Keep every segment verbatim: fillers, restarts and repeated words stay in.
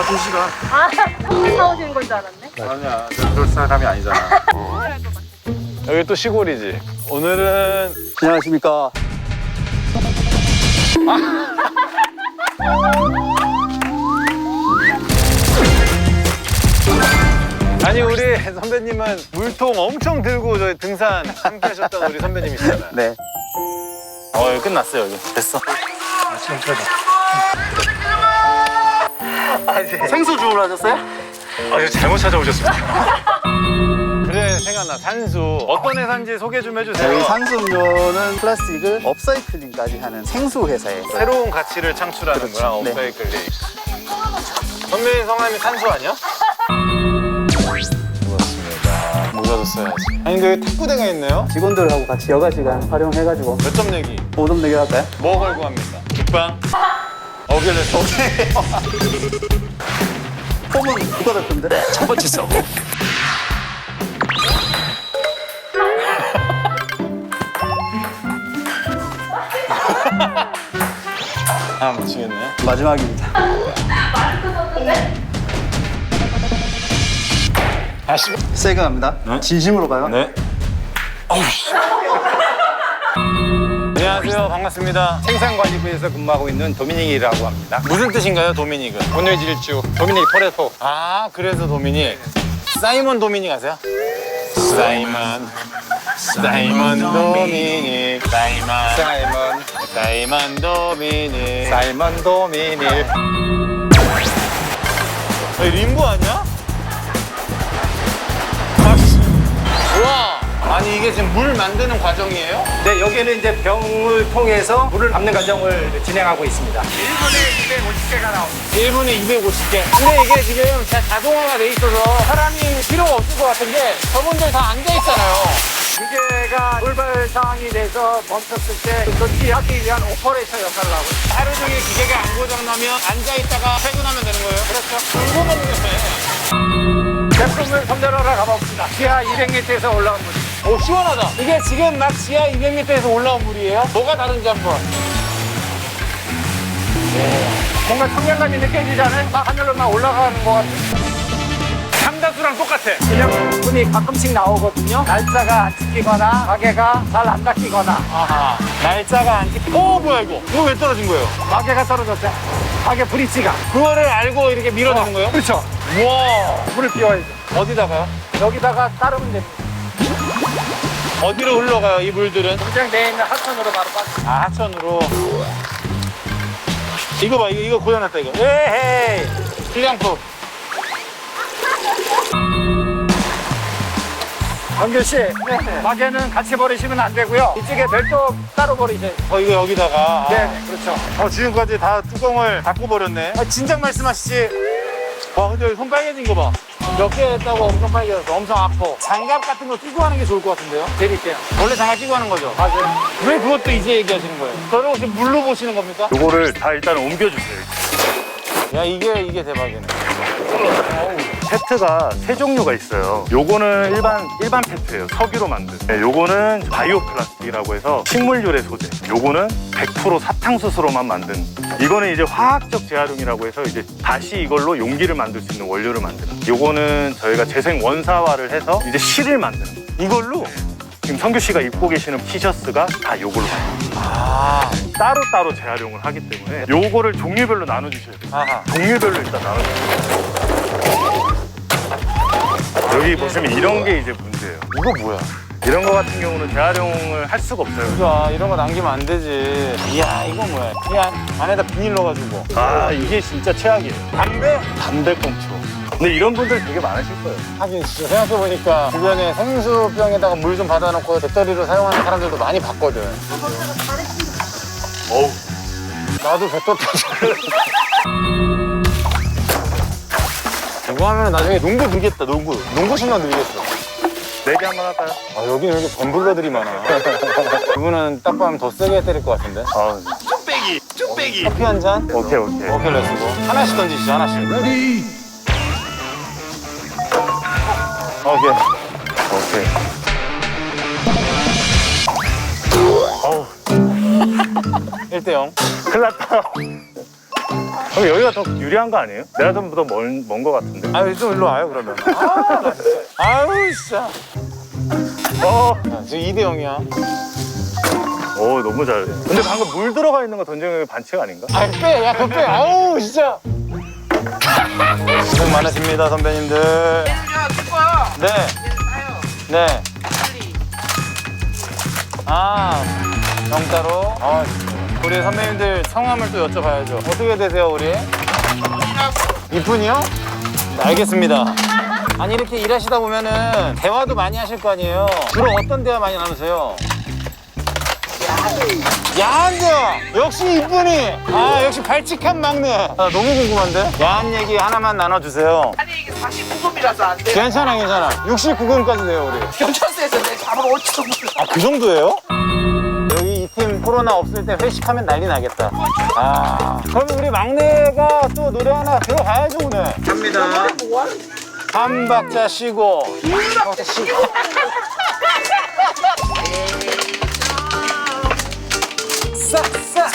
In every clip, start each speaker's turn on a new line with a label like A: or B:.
A: 두 시간.
B: 아, 커피 사오시는 건 줄 알았네.
A: 아니야, 그럴 사람이 아니잖아.
C: 여기 또 시골이지. 오늘은
D: 안녕하십니까.
C: 아니 우리 선배님은 물통 엄청 들고 저희 등산 함께 하셨던 우리 선배님이시잖아요.
D: 네.
C: 어 여기 끝났어요 여기. 됐어.
D: 생수 주문하셨어요?
C: 아 이거 잘못 찾아오셨습니다. 그래 생각나 산수. 어떤 회사인지 소개 좀 해주세요.
D: 저희 산수음료는 플라스틱을 업사이클링까지 하는 생수 회사예요.
C: 새로운 가치를 창출하는구나.
D: 그렇죠. 네.
C: 업사이클링. 선배님 성함이 산수 아니야? 고맙습니다. 모자도 써야지. 아니 근데 여기 탁구대가 있네요?
D: 직원들하고 같이 여가 시간 활용해가지고
C: 몇 점 내기?
D: 오점 내기 할까요?
C: 뭐 걸고 합니까? 국방? 어결레스.
D: 폼은 누가 됐던데?
C: 첫 번째 서브. 아 미치겠네.
D: 마지막입니다.
C: 다시.
D: 세게 갑니다.
C: 네?
D: 진심으로 가요?
C: 네. 어우. 안녕하세요. 반갑습니다.
E: 생산관리부에서 근무하고 있는 도미닉이라고 합니다.
C: 무슨 뜻인가요, 도미닉은?
E: 온뇌질주 도미닉 토레토.
C: 아, 그래서 도미닉. 사이먼 도미닉 아세요? 사이먼. 사이먼 도미닉. 사이먼.
E: 사이먼
C: 사이먼 도미닉.
E: 사이먼 도미닉.
C: 아, 림보 아니야? 아씨. 우와. 아니 이게 지금 물 만드는 과정이에요?
E: 네, 여기는 이제 병을 통해서 물을 담는 과정을 진행하고 있습니다. 일 분에 이백오십 개가 나옵니다.
C: 일 분에 이백오십 개. 근데 이게 지금 자- 자동화가 돼 있어서 사람이 필요가 없을 것 같은 게 저분들 다 앉아 있잖아요.
E: 기계가 돌발 상황이 돼서 멈췄을 때 조치하기 위한 오퍼레이터 역할을 하고 있습니다.
C: 하루 종일 기계가 안 고장나면 앉아 있다가 퇴근하면 되는 거예요? 그렇죠. 궁금한 게
E: 제품을 선별하러 가봅시다. 지하 이백 미터에서 올라온 물.
C: 오 시원하다. 이게 지금 막 지하 이백 미터에서 올라온 물이에요? 뭐가 다른지 한번.
E: 뭔가 청량감이 느껴지잖아요. 막 하늘로 막 올라가는 것 같은.
C: 삼다수랑 똑같아.
E: 기념품이 가끔씩 나오거든요. 날짜가 안 찍히거나 가게가 잘 안 닦이거나
C: 아하. 날짜가 안 찍. 오 뭐야 이거? 이거 왜 떨어진 거예요?
E: 가게가 떨어졌어요. 가게 브릿지가.
C: 그거를 알고 이렇게 밀어주는 거예요?
E: 그렇죠.
C: 우와.
E: 물을 비워야죠.
C: 어디다가요?
E: 여기다가 따르면 됩니다.
C: 어디로 흘러가요 이 물들은?
E: 공장 내에 있는 하천으로 바로 빠져.
C: 아 하천으로. 이거 봐 이거 이거 고장났다 이거. 에헤이. 불량품.
E: 정규 씨, 가게는 같이 버리시면 안 되고요. 이쪽에 별도 따로 버리세요.
C: 어 이거 여기다가.
E: 네, 그렇죠.
C: 어 지금까지 다 뚜껑을 닫고 버렸네. 아, 진작 말씀하시지. 와 근데 여기 손 빨개진 거 봐. 몇 개 했다고 엄청 빨개졌어. 엄청 아파. 장갑 같은 거 끼고 하는 게 좋을 것 같은데요?
E: 드릴게요.
C: 원래 장갑 끼고 하는 거죠?
E: 맞아요.
C: 왜 그것도 이제 얘기하시는 거예요? 저를 혹시 물로 보시는 겁니까?
A: 요거를 다 일단 옮겨주세요.
C: 야 이게 이게 대박이네.
A: 페트가 세 종류가 있어요. 요거는 일반 일반 페트예요. 석유로 만든. 네, 요거는 바이오 플라스틱이라고 해서 식물유래 소재. 요거는 백 퍼센트 사탕수수로만 만든. 이거는 이제 화학적 재활용이라고 해서 이제 다시 이걸로 용기를 만들 수 있는 원료를 만드는. 요거는 저희가 재생 원사화를 해서 이제 실을 만드는 거예요. 이걸로 지금 성규 씨가 입고 계시는 티셔츠가 다 요걸로 만든 거예요.
C: 아,
A: 따로따로 재활용을 하기 때문에 요거를 종류별로 나눠주셔야 돼요.
C: 아하.
A: 종류별로 일단 나눠주세요. 여기 보시면 이런 게 이제 문제예요.
C: 이거 뭐야?
A: 이런 거 같은 경우는 재활용을 할 수가 없어요.
C: 야 이런 거 남기면 안 되지. 이야 이거 뭐야? 그냥 안에다 비닐 넣어가지고.
A: 아, 이게 진짜 최악이에요.
C: 담배?
A: 담배꽁초. 근데 이런 분들 되게 많으실 거예요.
C: 하긴 진짜 생각해보니까 주변에 생수병에다가 물 좀 받아놓고 배터리로 사용하는 사람들도 많이 봤거든.
A: 어우.
C: 나도 배터리 이거 하면 나중에 농구 늘겠다 농구 농구 신경 늘겠어.
A: 내기 한번 할까요?
C: 아 여기는 왜 이렇게 범블러들이 많아. 이분은 딱 봐면 더 세게 때릴 것 같은데.
A: 아,
E: 뚝배기, 뚝배기.
C: 커피 한 잔?
A: 오케이, 오케이.
C: 오케이 렛츠고. 하나씩 던지시죠 하나씩. 레디. 오케이.
A: 오케이. 어우,
C: 일 대 영.
A: 큰일 났다. 그럼 여기가 더 유리한 거 아니에요? 내가 좀 더 먼 먼 거 같은데.
C: 아유, 좀 일로 와요, 그러면. 아, 나 진짜. 아유, 진짜.
A: 어,
C: 야, 지금 이 대 영이야.
A: 오 너무 잘해. 근데 방금 물 들어가 있는 거 던지는 게 반칙 아닌가?
C: 아, 빼, 야, 그거 빼. 아우, 진짜. 고생 많으십니다, 선배님들. 네. 네. 아, 영따로. 아, 우리 선배님들 성함을 또 여쭤봐야죠. 어떻게 되세요, 우리? 이쁜이요? 네, 알겠습니다. 아니, 이렇게 일하시다 보면은 대화도 많이 하실 거 아니에요? 주로 어떤 대화 많이 나누세요? 야한 대화! 역시 이쁜이! 아, 역시 발칙한 막내. 아, 너무 궁금한데? 야한 얘기 하나만 나눠주세요.
F: 아니 이게 사십구 금이라서 안 돼.
C: 괜찮아, 괜찮아. 육십구 금까지 돼요, 우리.
F: 경찰서에서 내 잡으러 올지도 몰라.
C: 아, 그 정도예요? 여기 이 팀 코로나 없을 때 회식하면 난리 나겠다. 아, 그럼 우리 막내가 또 노래 하나 들어가야죠, 오늘. 갑니다.
F: 뭐 하는
C: 한 박자 쉬고. 한 박자 쉬고. 싹싹.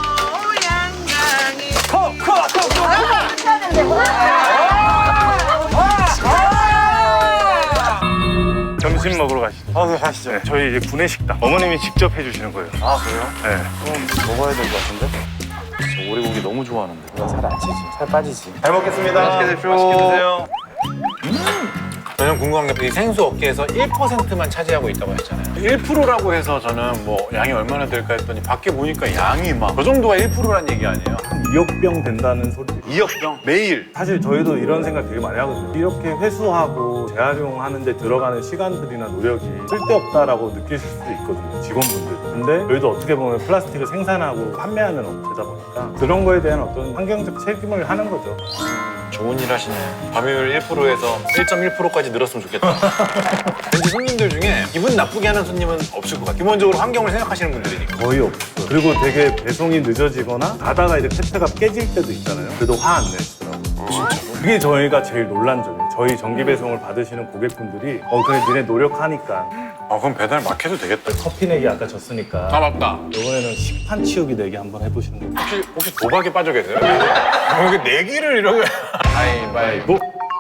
A: 점심 먹으러 가시죠.
C: 어, 네, 가시죠.
A: 네, 저희 이제 구내식당. 어머님이 직접 해주시는 거예요.
C: 아, 그래요?
A: 네.
C: 그럼 먹어야 될 것 같은데? 저 오리고기 너무 좋아하는데. 내가 살 안 찌지. 살 빠지지. 잘 먹겠습니다.
A: 맛있게 드십시오.
C: 맛있게 드세요. 저는 궁금한 게 이 생수 업계에서 일 퍼센트만 차지하고 있다고 했잖아요.
G: 일 퍼센트라고 해서 저는 뭐 양이 얼마나 될까 했더니 밖에 보니까 양이 막 그 정도가 일 퍼센트란 얘기 아니에요?
A: 이억 병 된다는 소리.
G: 이억 병 매일.
A: 사실 저희도 이런 생각 되게 많이 하거든요. 이렇게 회수하고 재활용하는 데 들어가는 시간들이나 노력이 쓸데없다라고 느끼실 수도 있거든요. 직원분들. 근데 저희도 어떻게 보면 플라스틱을 생산하고 판매하는 업체다 보니까 그런 거에 대한 어떤 환경적 책임을 하는 거죠.
G: 좋은 일 하시네. 점유율 일 퍼센트에서 일 점 일 퍼센트까지 늘었으면 좋겠다. 왠지 손님들 중에 기분 나쁘게 하는 손님은 없을 것 같아요. 기본적으로 환경을 생각하시는 분들이니까.
A: 거의 없어요. 그리고 되게 배송이 늦어지거나 가다가 이제 패트가 깨질 때도 있잖아요. 그래도 화 안 내시더라고요. 진짜로? 그게 저희가 제일 놀란 점이에요. 저희 정기 배송을 받으시는 고객분들이 어 그래 니네 노력하니까.
G: 아 그럼 배달 막 해도 되겠다.
A: 커피 내기 아까 졌으니까
G: 아 맞다.
A: 이번에는 식판 치우기 내기 한번 해보시는 거예요.
G: 혹시 혹시 도박에 빠져 계세요? 여기 내기를 이러면.
A: 가위바위보.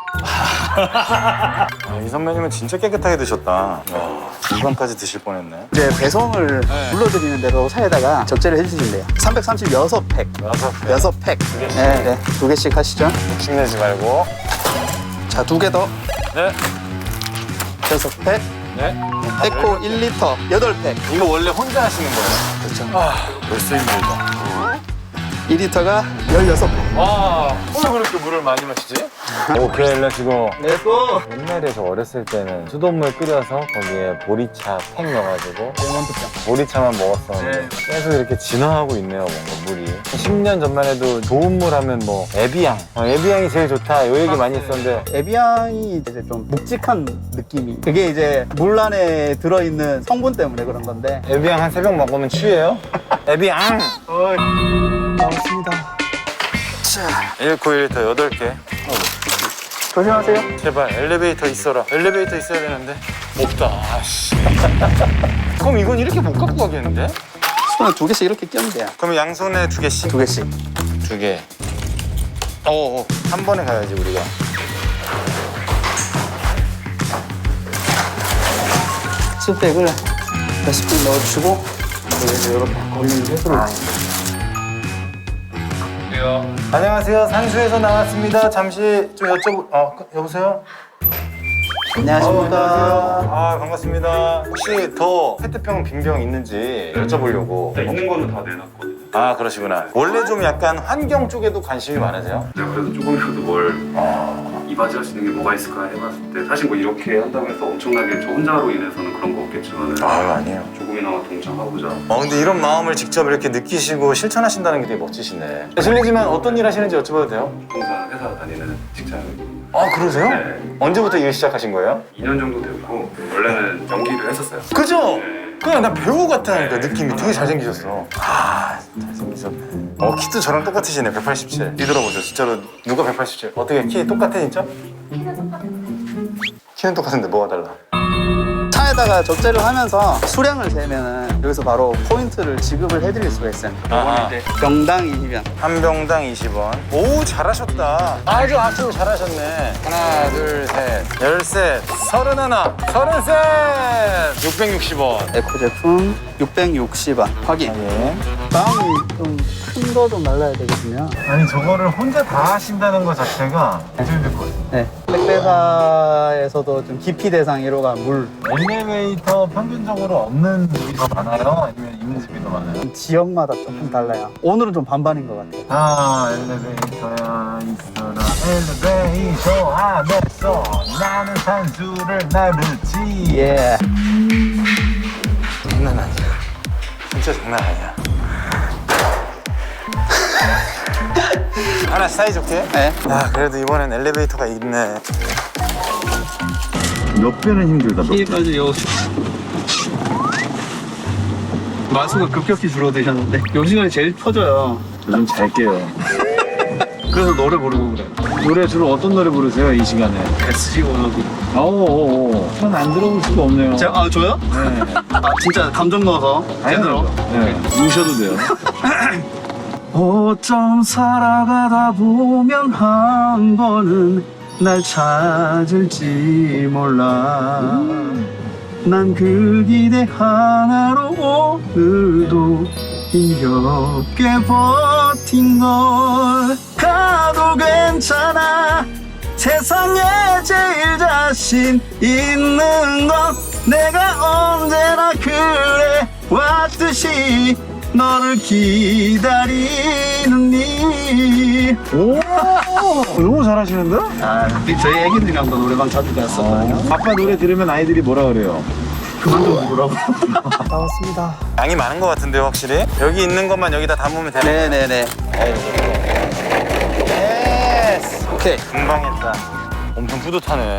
C: 아, 이 선배님은 진짜 깨끗하게 드셨다. 이번까지 드실 뻔했네.
D: 이제 배송을 불러드리는 대로 사에다가 적재를 해주신대요. 삼백삼십육 팩.
C: 여섯 개.
D: 여섯 팩. 네, 네. 두 개씩 하시죠.
C: 욕심내지 말고.
D: 자, 두 개 더.
C: 네.
D: 여섯 팩.
C: 네.
D: 에코 일 리터 여덟 팩.
C: 이거 원래 혼자 하시는 거예요?
D: 그렇죠.
C: 아, 벌써 힘들다.
D: 이 리터가 열여섯 팩.
C: 와, 왜 그렇게 물을 많이 마시지? 오케이, 렛츠고.
D: 렛츠고!
C: 옛날에 저 어렸을 때는 수돗물 끓여서 거기에 보리차 팩 넣어가지고
D: 레몬드병.
C: 보리차만 먹었었는데 계속 이렇게 진화하고 있네요, 뭔가 물이. 십 년 전만 해도 좋은 물 하면 뭐 에비앙. 어, 에비앙이 제일 좋다, 요 얘기 많이 했었는데
D: 에비앙이 이제 좀 묵직한 느낌이. 그게 이제 물 안에 들어있는 성분 때문에 그런 건데.
C: 에비앙 한 세 병 먹으면 취해요? 에비앙!
D: 나왔습니다. 자,
C: 일 코 일 리터 여덟 개.
D: 조심하세요.
C: 제발 엘리베이터 있어라. 엘리베이터 있어야 되는데 없다. 아씨. 그럼 이건 이렇게 못 갖고 가겠는데?
D: 손에 두 개씩 이렇게 끼면 돼요.
C: 그럼 양손에 두 개씩?
D: 두 개씩.
C: 두 개. 어어. 한 번에 가야지 우리가.
D: 스펙을 몇십 분 넣어주고 여기서 이렇게 걸리는 회수를.
C: 안녕하세요. 산수에서 나왔습니다. 잠시 좀 여쭤보. 어 여보세요?
D: 안녕하십니까.
C: 아 반갑습니다. 혹시 더 페트병 빈병 있는지 여쭤보려고.
A: 있는 거는 다 내놨거든요.
C: 아 그러시구나. 원래 좀 약간 환경 쪽에도 관심이 많으세요?
H: 제가 그래도 조금이라도 뭘 이바지할 수 있는 게 뭐가 있을까 해봤을 때 사실 뭐 이렇게 한다고 해서 엄청나게 저 혼자로 인해서는 그런 거 없겠지만
C: 아 아니에요.
H: 조금이나마 동참하고자
C: 어 근데 이런 마음을 직접 이렇게 느끼시고 실천하신다는 게 되게 멋지시네. 실례지만 어떤 일 하시는지 여쭤봐도 돼요?
H: 항상 회사 다니는 직장입니다.
C: 아 그러세요?
H: 네.
C: 언제부터 일 시작하신 거예요?
H: 이 년 정도 됐고 원래는 연기를 했었어요.
C: 그죠?
H: 네.
C: 그냥 나 배우 같다니까 느낌이 되게 잘생기셨어. 아 잘생기셨네. 어 키도 저랑 똑같으시네. 백팔십칠. 뒤돌아보세요. 진짜로 누가 백팔십칠? 어떻게 키 똑같아 진짜? 키는 똑같은데 뭐가 달라?
D: 차에 카드에다가 적재를 하면서 수량을 재면은 여기서 바로 포인트를 지급을 해드릴 수가 있어요.
C: 아하.
D: 이거는 이제 병당 이십 원.
C: 한 병당 이십 원. 오, 잘하셨다. 아주 압축을 잘하셨네. 하나, 둘, 셋. 열셋. 서른하나. 서른셋. 육백육십 원.
D: 에코 제품 육백육십 원. 확인. 다음이 좀 큰 거 좀 날라야 되거든요.
C: 아니, 저거를 혼자 다 하신다는 것 자체가 되게 힘들 것 같아요.
D: 네. 택배사에서도 좀 기피 대상 일 호가 물.
C: 엘리베이터 평균적으로 없는 집이 더 많아요? 아니면 있는 집이 더 많아요?
D: 지역마다 조금 달라요. 오늘은 좀 반반인 것 같아요.
C: 아, 엘리베이터야 있어라. 엘리베이터 안에서 나는 산수를 나르지.
D: 예.
C: 장난 아니야. 진짜 장난 아니야. 하나 사이좋게?
D: 네.
C: 야, 그래도 이번엔 엘리베이터가 있네.
G: 몇 배는 힘들다. 몇 배.
D: 여기까지 요 마수가 급격히 줄어드셨는데 요 시간이 제일 터져요.
G: 요즘 잘 깨요.
D: 그래서 노래 부르고 그래요.
G: 노래 주로 어떤 노래 부르세요, 이 시간에?
D: 에스지 오너비.
G: 오오오. 전 안 들어볼 수가 없네요.
D: 제가 아 저요?
G: 네.
D: 아 진짜 감정 넣어서 제대로.
G: 네. 우셔도 돼요.
D: 어쩜 살아가다 보면 한 번은 날 찾을지 몰라. 난 그 기대 하나로 오늘도 힘겹게 버틴 걸. 가도 괜찮아. 세상에 제일 자신 있는 건 내가 언제나 그래 왔듯이 너를 기다리는 일.
G: 오, 너무 잘하시는데?
D: 아, 저희 애기들이랑도 노래방 자주 갔었거든요.
G: 아빠 노래 들으면 아이들이 뭐라 그래요?
D: 그만 좀 부르라고. 나왔습니다.
C: 양이 많은 것 같은데요, 확실히? 여기 있는 것만 여기다 담으면 되네.
D: 네네네.
C: 예스!
D: 오케이.
C: 금방 했다. 엄청 뿌듯하네.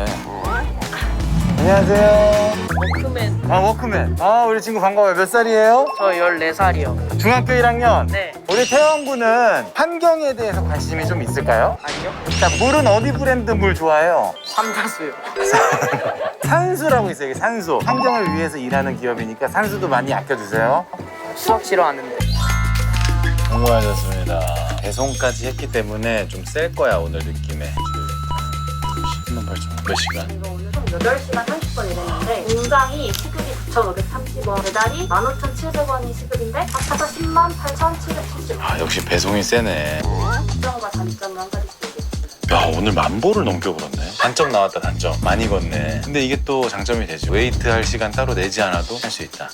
C: 안녕하세요.
B: 워크맨.
C: 아, 워크맨. 아, 우리 친구 반가워요. 몇 살이에요?
B: 저 열네 살이요.
C: 중학교 일 학년?
B: 네.
C: 우리 태영 군은 환경에 대해서 관심이 좀 있을까요?
B: 아니요.
C: 자, 물은 어디 브랜드 물 좋아해요?
B: 삼다수요.
C: 산수라고 있어요, 이게 산수. 환경을 위해서 일하는 기업이니까 산수도 많이 아껴주세요.
B: 수학 싫어하는데.
G: 성공하셨습니다. 배송까지 했기 때문에 좀 셀 거야, 오늘 느낌에. 십만 팔천 원. 몇 시간?
I: 이거 오늘 총 여덟 시간 삼십 분 일했는데 공장이 시급이 구천오백삼십 원, 배달이 만 오천칠백 원이 시급인데 합쳐서 십만 팔천칠백칠십 원.
G: 아, 역시 배송이 세네.
I: 장점과 단점을 한 가지씩 얘기해주세요.
G: 야, 오늘 만보를 넘겨 걸었네. 단점 나왔다, 단점. 많이 걷네. 근데 이게 또 장점이 되죠. 웨이트 할 시간 따로 내지 않아도 할 수 있다.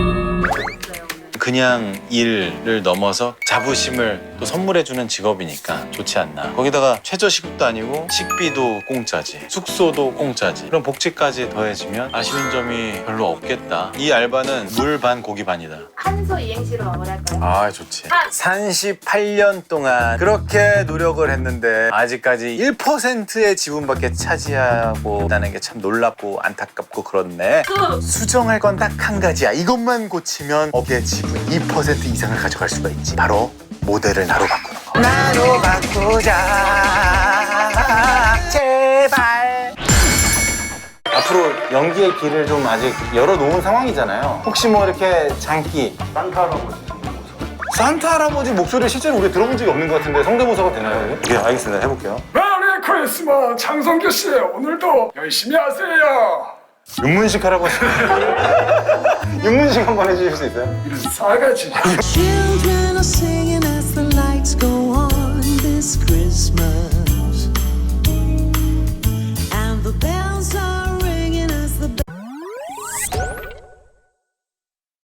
G: 그냥 일을 넘어서 자부심을 또 선물해주는 직업이니까 좋지 않나. 거기다가 최저시급도 아니고 식비도 공짜지, 숙소도 공짜지. 그럼 복지까지 더해지면 아쉬운 점이 별로 없겠다. 이 알바는 물 반 고기 반이다.
I: 한소 이행시로 마무리할까요?
G: 아, 좋지.
C: 삼십팔 년 동안 그렇게 노력을 했는데 아직까지 일 퍼센트의 지분밖에 차지하고 있다는 게 참 놀랍고 안타깝고 그렇네.
I: 그
C: 수정할 건 딱 한 가지야. 이것만 고치면 업계 지분 이 퍼센트 이상을 가져갈 수가 있지. 바로 모델을 나로 바꾸는 거. 나로 바꾸자 제발. 앞으로 연기의 길을 좀 아직 열어놓은 상황이잖아요. 혹시 뭐 이렇게 장기 산타 할아버지 산타 할아버지 목소리를 실제로 우리 들어본 적이 없는 것 같은데 성대모사가 되나요? 예, 알겠습니다. 해볼게요.
J: 메리 크리스마스 장성규 씨 오늘도 열심히 하세요.
C: 윤문식 할아버지 윤문식 한번 해주실 수 있어요?
J: 이런 싸가지.
K: Children are singing as the lights go